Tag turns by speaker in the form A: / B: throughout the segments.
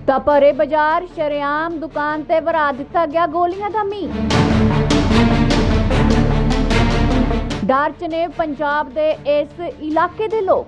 A: ਤਾਂ ਭਰੇ ਬਾਜ਼ਾਰ ਸ਼ਰੇਆਮ ਦੁਕਾਨ ਤੇ ਵਰਾ ਦਿੱਤਾ ਗਿਆ ਗੋਲੀਆਂ ਦਾ ਮੀਂਹ। ਡਰ 'ਚ ਨੇ ਪੰਜਾਬ ਦੇ ਇਸ ਇਲਾਕੇ ਦੇ ਲੋਕ।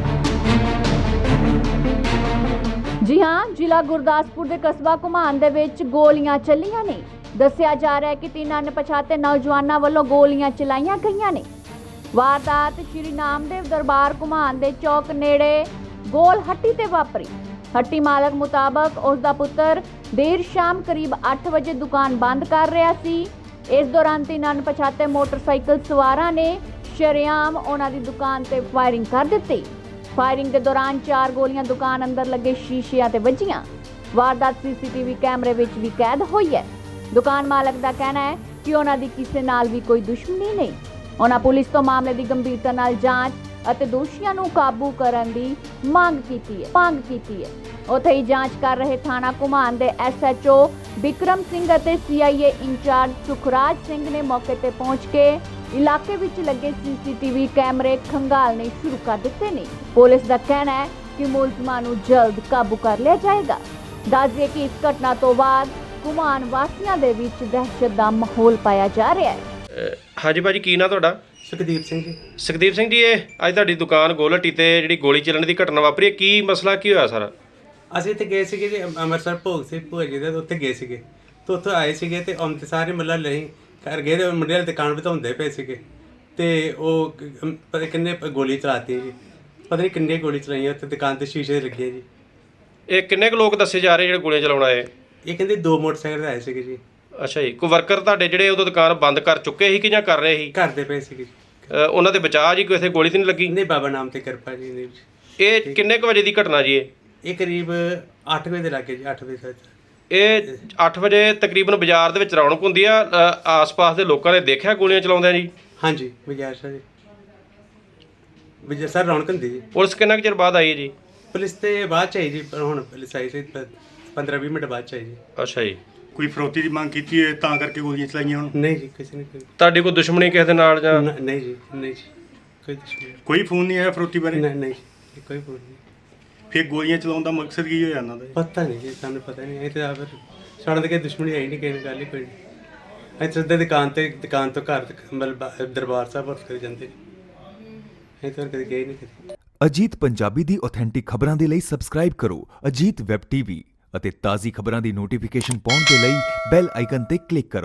A: ਜੀ ਹਾਂ, ਜ਼ਿਲ੍ਹਾ ਗੁਰਦਾਸਪੁਰ ਦੇ ਕਸਬਾ ਘੁਮਾਣ ਦੇ ਵਿੱਚ ਗੋਲੀਆਂ ਚੱਲੀਆਂ ਨੇ। ਦੱਸਿਆ ਜਾ ਰਿਹਾ ਹੈ ਕਿ 3 ਅਣਪਛਾਤੇ ਨੌਜਵਾਨਾਂ ਵੱਲੋਂ ਗੋਲੀਆਂ ਚਲਾਈਆਂ ਗਈਆਂ ਨੇ। ਵਾਰਦਾਤ ਸ਼੍ਰੀ ਨਾਮਦੇਵ ਦਰਬਾਰ ਘੁਮਾਣ ਦੇ ਚੌਕ ਨੇੜੇ ਗੋਲ ਹੱਟੀ ਤੇ ਵਾਪਰੀ। ਹੱਟੀ ਮਾਲਕ ਮੁਤਾਬਕ ਉਸ ਦਾ ਪੁੱਤਰ ਦੇਰ ਸ਼ਾਮ ਕਰੀਬ 8 ਵਜੇ ਦੁਕਾਨ ਬੰਦ ਕਰ ਰਿਹਾ ਸੀ। ਇਸ ਦੌਰਾਨ 3 ਅਣਪਛਾਤੇ ਮੋਟਰਸਾਈਕਲ ਸਵਾਰਾਂ ਨੇ ਸ਼ਰੇਆਮ ਉਹਨਾਂ ਦੀ ਦੁਕਾਨ ਤੇ ਫਾਇਰਿੰਗ ਕਰ ਦਿੱਤੀ। ਫਾਇਰਿੰਗ ਦੇ ਦੌਰਾਨ 4 ਗੋਲੀਆਂ ਦੁਕਾਨ ਅੰਦਰ ਲੱਗੇ ਸ਼ੀਸ਼ਿਆਂ ਤੇ ਵੱਜੀਆਂ। ਵਾਰਦਾਤ ਸੀਸੀਟੀਵੀ ਕੈਮਰੇ ਵਿੱਚ ਵੀ ਕੈਦ ਹੋਈ ਹੈ। ਦੁਕਾਨ ਮਾਲਕ ਦਾ ਕਹਿਣਾ ਹੈ ਕਿ ਉਹਨਾਂ ਦੀ ਕਿਸੇ ਨਾਲ ਵੀ ਕੋਈ ਦੁਸ਼ਮਣੀ ਨਹੀਂ। ਉਹਨਾਂ ਪੁਲਿਸ ਤੋਂ ਮਾਮਲੇ ਦੀ ਗੰਭੀਰਤਾ ਨਾਲ ਜਾਂਚ ਅਤੇ ਦੋਸ਼ੀਆਂ ਨੂੰ ਕਾਬੂ ਕਰਨ ਦੀ ਮੰਗ ਕੀਤੀ ਹੈ। ਉੱਥੇ ਹੀ ਜਾਂਚ ਕਰ ਰਹੇ ਥਾਣਾ ਘੁਮਾਣ ਦੇ SHO ਵਿਕਰਮ ਸਿੰਘ ਅਤੇ CIA ਇੰਚਾਰਜ ਸੁਖਰਾਜ ਸਿੰਘ ਨੇ ਮੌਕੇ ਤੇ ਪਹੁੰਚ ਕੇ ਇਲਾਕੇ ਵਿੱਚ ਲੱਗੇ CCTV ਕੈਮਰੇ ਖੰਗਾਲਣੇ ਸ਼ੁਰੂ ਕਰ ਦਿੱਤੇ ਨੇ। ਪੁਲਿਸ ਦਾ ਕਹਿਣਾ ਹੈ ਕਿ ਮੁਲਜ਼ਮਾਂ ਨੂੰ ਜਲਦ ਕਾਬੂ ਕਰ ਲਿਆ ਜਾਏਗਾ। ਦੱਸ ਦਈਏ ਕਿ ਇਸ ਘਟਨਾ ਤੋਂ ਬਾਅਦ ਘੁਮਾਣ ਵਾਸੀਆਂ ਦੇ ਵਿੱਚ ਦਹਿਸ਼ਤ ਦਾ ਮਾਹੌਲ ਪਾਇਆ ਜਾ ਰਿਹਾ ਹੈ।
B: ਹਾਂਜੀ ਭਾਜੀ, ਕੀ ਨਾਂ ਤੁਹਾਡਾ?
C: ਸੁਖਦੀਪ ਸਿੰਘ ਜੀ।
B: ਸੁਖਦੀਪ ਸਿੰਘ ਜੀ, ਇਹ ਅੱਜ ਤੁਹਾਡੀ ਦੁਕਾਨ ਗੋਲਹੱਟੀ ਤੇ ਜਿਹੜੀ ਗੋਲੀ ਚੱਲਣ ਦੀ ਘਟਨਾ ਵਾਪਰੀ ਹੈ, ਕੀ ਮਸਲਾ ਕੀ ਹੋਇਆ ਸਾਰਾ?
C: ਅਸੀਂ ਇੱਥੇ ਗਏ ਸੀਗੇ ਜੀ, ਅੰਮ੍ਰਿਤਸਰ ਭੋਗ ਸੀ ਭੂਆ ਜੀ ਦੇ, ਉੱਥੇ ਗਏ ਸੀਗੇ ਤੇ ਉੱਥੋਂ ਆਏ ਸੀਗੇ ਤੇ ਅੰਤ ਸਾਰੇ ਮੱਲਾ ਲਈ ਘਰ ਗਏ ਤੇ ਮੁੰਡੇ ਵਾਲੀ ਦੁਕਾਨ ਵਧਾਉਂਦੇ ਪਏ ਸੀਗੇ ਤੇ ਉਹ ਪਤਾ ਕਿੰਨੇ ਗੋਲੀ ਚਲਾਤੀ ਜੀ, ਪਤਾ ਨਹੀਂ ਕਿੰਨੇ ਗੋਲੀ ਚਲਾਈਆਂ ਉੱਥੇ ਦੁਕਾਨ ਤੇ ਸ਼ੀਸ਼ੇ ਲੱਗੇ ਜੀ।
B: ਇਹ ਕਿੰਨੇ ਕੁ ਲੋਕ ਦੱਸੇ ਜਾ ਰਹੇ ਜਿਹੜੇ ਗੋਲੀਆਂ ਚਲਾਉਣ ਆਏ?
C: ਇਹ ਕਹਿੰਦੇ 2 ਮੋਟਰਸਾਈਕਲ ਆਏ ਸੀਗੇ ਜੀ।
B: ਅੱਛਾ ਜੀ, ਕੋਈ ਵਰਕਰ ਤੁਹਾਡੇ ਜਿਹੜੇ ਉਦੋਂ ਦੁਕਾਨ ਬੰਦ ਕਰ ਚੁੱਕੇ ਸੀ ਕਿ ਜਾਂ ਕਰ ਰਹੇ ਸੀ?
C: ਕਰਦੇ ਪਏ ਸੀਗੇ।
B: ਉਹਨਾਂ ਦੇ ਬਚਾਅ ਜੀ, ਕੋਈ ਇੱਥੇ ਗੋਲੀ ਤਾਂ ਨਹੀਂ ਲੱਗੀ?
C: ਨਹੀਂ, ਬਾਬਾ ਨਾਮ ਤੇ ਕਿਰਪਾ ਜੀ ਨੇ।
B: ਇਹ ਕਿੰਨੇ ਕੁ ਵਜੇ ਦੀ ਘਟਨਾ ਜੀ?
C: ਇਹ ਕਰੀਬ 8 ਵਜੇ ਦੇ ਲਾਗੇ ਜੀ, 8 ਵਜੇ ਤੱਕ।
B: ਇਹ 8 ਵਜੇ ਤਕਰੀਬਨ ਬਾਜ਼ਾਰ ਦੇ ਵਿੱਚ ਰੌਣਕ ਹੁੰਦੀ ਆ, ਆਸ-ਪਾਸ ਦੇ ਲੋਕਾਂ ਨੇ ਦੇਖਿਆ ਗੋਲੀਆਂ ਚਲਾਉਂਦਿਆਂ ਜੀ? ਹਾਂਜੀ,
C: ਬਾਜ਼ਾਰ ਸਰ ਜੀ, ਬਾਜ਼ਾਰ ਸਰ ਰੌਣਕ ਹੁੰਦੀ ਜੀ।
B: ਪੁਲਿਸ ਕਿੰਨਾ ਕੁ ਚਿਰ ਬਾਅਦ ਆਈ ਹੈ ਜੀ?
C: ਪੁਲਿਸ ਤੇ ਬਾਅਦ ਚ ਆਈ ਜੀ, ਪਰ ਹੁਣ ਪੁਲਿਸ ਆਈ ਸੀ 15-20 ਮਿੰਟ ਬਾਅਦ ਚ ਆਈ ਜੀ।
B: ਅੱਛਾ ਜੀ।
D: ਕੋਈ ਫਰੋਤੀ ਦੀ ਮੰਗ ਕੀਤੀ ਹੈ ਤਾਂ ਕਰਕੇ ਗੋਲੀਆਂ ਚਲਾਈਆਂ ਹੁਣ?
C: ਨਹੀਂ ਜੀ, ਕਿਸੇ ਨੇ
B: ਤੁਹਾਡੀ ਕੋਈ ਦੁਸ਼ਮਣੀ ਕਿਸੇ ਦੇ ਨਾਲ ਜਾਂ?
C: ਨਹੀਂ ਜੀ, ਨਹੀਂ ਜੀ, ਕੋਈ ਦੁਸ਼ਮਣੀ
D: ਕੋਈ ਫੋਨ ਨਹੀਂ ਆਇਆ ਫਰੋਤੀ ਬਾਰੇ?
C: ਨਹੀਂ ਜੀ, ਕੋਈ ਫੋਨ ਨਹੀਂ।
D: ਫਿਰ ਗੋਲੀਆਂ ਚਲਾਉਣ ਦਾ ਮਕਸਦ ਕੀ ਹੋਇਆ ਇਹਨਾਂ ਦਾ?
C: ਪਤਾ ਨਹੀਂ ਜੀ, ਸਾਨੂੰ ਪਤਾ ਨਹੀਂ। ਇਹ ਤਾਂ ਫਿਰ ਸਾਡੇ ਤਾਂ ਕੋਈ ਦੁਸ਼ਮਣੀ ਆਈ ਨਹੀਂ, ਕਿਸੇ ਨਾਲ ਗੱਲ ਹੀ ਕੋਈ ਨਹੀਂ। ਅਸੀਂ ਸਿੱਧੇ ਦੁਕਾਨ ਤੋਂ ਘਰ ਮਤਲਬ ਦਰਬਾਰ ਸਾਹਿਬ ਵਰਤ ਕਰ ਜਾਂਦੇ। ਅਸੀਂ ਤਾਂ ਕਦੇ ਗਏ ਨਹੀਂ ਕਦੇ।
E: ਅਜੀਤ ਪੰਜਾਬੀ ਦੀ ਆਥੈਂਟਿਕ ਖਬਰਾਂ ਦੇ ਲਈ ਸਬਸਕ੍ਰਾਈਬ ਕਰੋ ਅਜੀਤ ਵੈਬ TV ਅਤੇ ਤਾਜ਼ੀ ਖਬਰਾਂ ਦੀ ਨੋਟੀਫਿਕੇਸ਼ਨ ਪਾਉਣ ਦੇ ਲਈ ਬੈਲ ਆਈਕਨ ਤੇ ਕਲਿੱਕ ਕਰੋ।